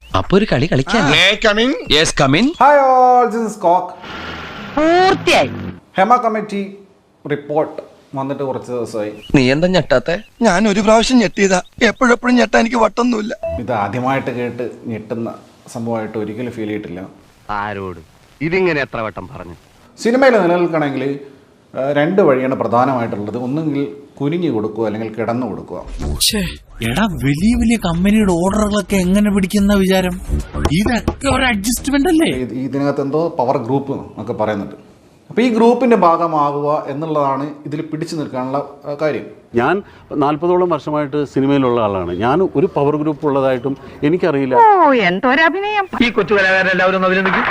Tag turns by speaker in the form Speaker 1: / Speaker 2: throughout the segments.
Speaker 1: അപ്പൊ ഒരു കളി കളിക്കാം.
Speaker 2: Hi all, this is coke. പൂർത്തിയായി. ഹെമ കമ്മിറ്റി റിപ്പോർട്ട് വന്നിട്ട് കുറച്ച് ദിവസമായി.
Speaker 1: നീ എന്താ ഞെട്ടാത്തെ?
Speaker 3: ഞാൻ ഒരു പ്രാവശ്യം ഞെട്ടിയതാ, എപ്പോഴെപ്പോഴും ഞെട്ടാൻ എനിക്ക് വട്ടൊന്നുമില്ല.
Speaker 2: ഇത് ആദ്യമായിട്ട് കേട്ട് ഞെട്ടുന്ന സംഭവമായിട്ട് ഒരിക്കലും ഫീൽ ചെയ്തിട്ടില്ല.
Speaker 4: ആരോട് ഇതിങ്ങനെ എത്ര വട്ടം പറഞ്ഞു?
Speaker 2: സിനിമയിൽ നിലനിൽക്കണമെങ്കിൽ രണ്ട് വഴിയാണ് പ്രധാനമായിട്ടുള്ളത്. ഒന്നുകിൽ കുനിഞ്ഞു കൊടുക്കുക, അല്ലെങ്കിൽ കിടന്നു കൊടുക്കുക.
Speaker 5: എടാ, വലിയ വലിയ കമ്പനിയുടെ ഓർഡറുകളൊക്കെ എങ്ങനെ പിടിക്കുന്ന വിചാരം? ഇതൊക്കെ ഒരു അഡ്ജസ്റ്റ്മെന്റ് അല്ലേ?
Speaker 2: ഇതിനകത്ത് എന്തോ പവർ ഗ്രൂപ്പ് എന്നൊക്കെ പറയുന്നുണ്ട്. അപ്പോൾ ഈ ഗ്രൂപ്പിന്റെ ഭാഗമാകുക എന്നുള്ളതാണ് ഇതിൽ പിടിച്ചു നിൽക്കാനുള്ള കാര്യം.
Speaker 6: ഞാൻ 40ഓളം വർഷമായിട്ട് സിനിമയിലുള്ള ആളാണ്. ഞാൻ ഒരു പവർ ഗ്രൂപ്പ് ഉള്ളതായിട്ടും എനിക്കറിയില്ല.
Speaker 4: ഈ കൊച്ചു കലാകാരെല്ലാവരും അഭിനന്ദിക്കും.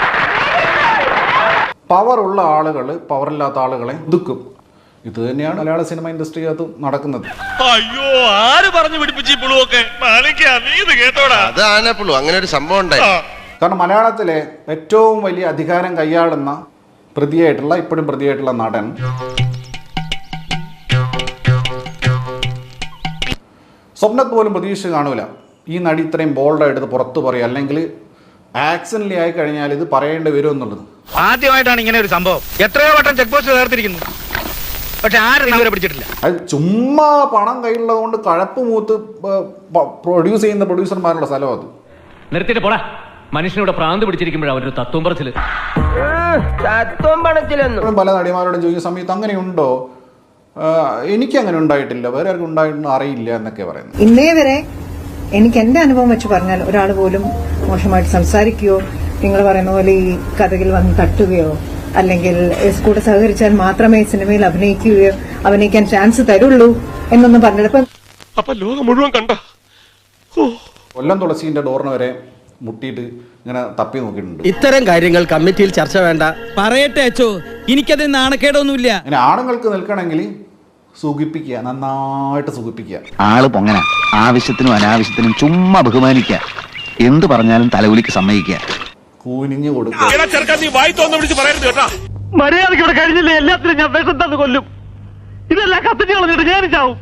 Speaker 2: പവർ ഉള്ള ആളുകൾ പവറില്ലാത്ത ആളുകളെ ഒതുക്കും. ഇത് തന്നെയാണ് മലയാള സിനിമ ഇൻഡസ്ട്രിക്കകത്ത് നടക്കുന്നത്.
Speaker 7: അയ്യോ, ആര് പറഞ്ഞു പിടിപ്പിച്ചു അങ്ങനെ ഒരു സംഭവം ഉണ്ടായി.
Speaker 2: കാരണം മലയാളത്തിലെ ഏറ്റവും വലിയ അധികാരം കൈയാളുന്ന ഇപ്പോഴും പ്രതിയായിട്ടുള്ള നടൻ സ്വപ്നത്ത് പോലും പ്രതീക്ഷ കാണൂല ഈ നടി ഇത്രയും ബോൾഡായിട്ട് പുറത്തു പറയുക, അല്ലെങ്കിൽ ആക്സിഡന്റലി ആയി കഴിഞ്ഞാൽ ഇത് പറയേണ്ടി വരും എന്നുള്ളത്.
Speaker 4: ആദ്യമായിട്ടാണ് ഇങ്ങനെ ഒരു സംഭവം. എത്രയോ വട്ടം ചെക്ക് പോസ്റ്റ് ചേർത്തിരിക്കുന്നു, പക്ഷെ ആരും ഇതുവരെ പിടിച്ചിട്ടില്ല.
Speaker 2: അത് ചുമ്മാ പണം കയ്യിലുള്ളത് കൊണ്ട് കഴപ്പ് മൂത്ത് പ്രൊഡ്യൂസ് ചെയ്യുന്ന പ്രൊഡ്യൂസർമാരുടെ സ്ഥലം അത്.
Speaker 8: നിർത്തിട്ട് പോടാ. മനുഷ്യനോട് പ്രാന്ത് പിടിച്ചിരിക്കുമ്പോഴാണ് അവരൊരു തത്വം പറച്ചില്.
Speaker 2: പല നടിമാരോടും ചോദിക്കുന്ന സമയത്ത് അങ്ങനെയുണ്ടോ, എനിക്ക് അങ്ങനെ ഉണ്ടായിട്ടില്ല, വേറെ ആർക്കും ഉണ്ടായിട്ടുണ്ടോ അറിയില്ല എന്നൊക്കെ പറയുന്നത്.
Speaker 9: ഇന്നേ വരെ എനിക്ക് എന്റെ അനുഭവം വെച്ച് പറഞ്ഞാൽ ഒരാൾ പോലും മോശമായിട്ട് സംസാരിക്കുകയോ നിങ്ങൾ പറയുന്ന പോലെ ഈ കഥകിൽ വന്ന് തട്ടുകയോ അല്ലെങ്കിൽ കൂടെ സഹകരിച്ചാൽ മാത്രമേ സിനിമയിൽ അഭിനയിക്കാൻ ചാൻസ് തരുള്ളൂ എന്നൊന്നും പറഞ്ഞിട്ട്
Speaker 7: ലോകം മുഴുവൻ കണ്ട
Speaker 2: കൊല്ലം തുളസീന്റെ ഡോറിന് വരെ മുട്ടിയിട്ട് ഇങ്ങനെ തപ്പി നോക്കിയിട്ടുണ്ട്.
Speaker 10: ഇത്തരം കാര്യങ്ങൾ കമ്മിറ്റിയിൽ ചർച്ച വേണ്ട. പറയട്ടെ അച്ചോ, എനിക്കത് നാണക്കേടൊന്നുമില്ല.
Speaker 2: അങ്ങനെ ആണുങ്ങൾക്ക് നിൽക്കണമെങ്കിൽ സുഖിപ്പിക്കുക, നന്നായിട്ട് സുഖിപ്പിക്കുക.
Speaker 11: ആള് പൊങ്ങന, ആവശ്യത്തിനും അനാവശ്യത്തിനും ചുമ്മാ ബഹുമാനിക്കുക, എന്ത് പറഞ്ഞാലും തലകുലിക്ക് സമ്മതിക്കുക,
Speaker 2: കൂനിഞ്ഞു കൊടുക്കുക.
Speaker 4: മര്യാദയ്ക്ക് ഇവിടെ കഴിഞ്ഞില്ലേ എല്ലാത്തിനും ഞാൻ വിഷം തന്നു കൊല്ലും. ഇതെല്ലാം കത്തിച്ച് കളഞ്ഞിട്ട് ഞാൻ ചാവും.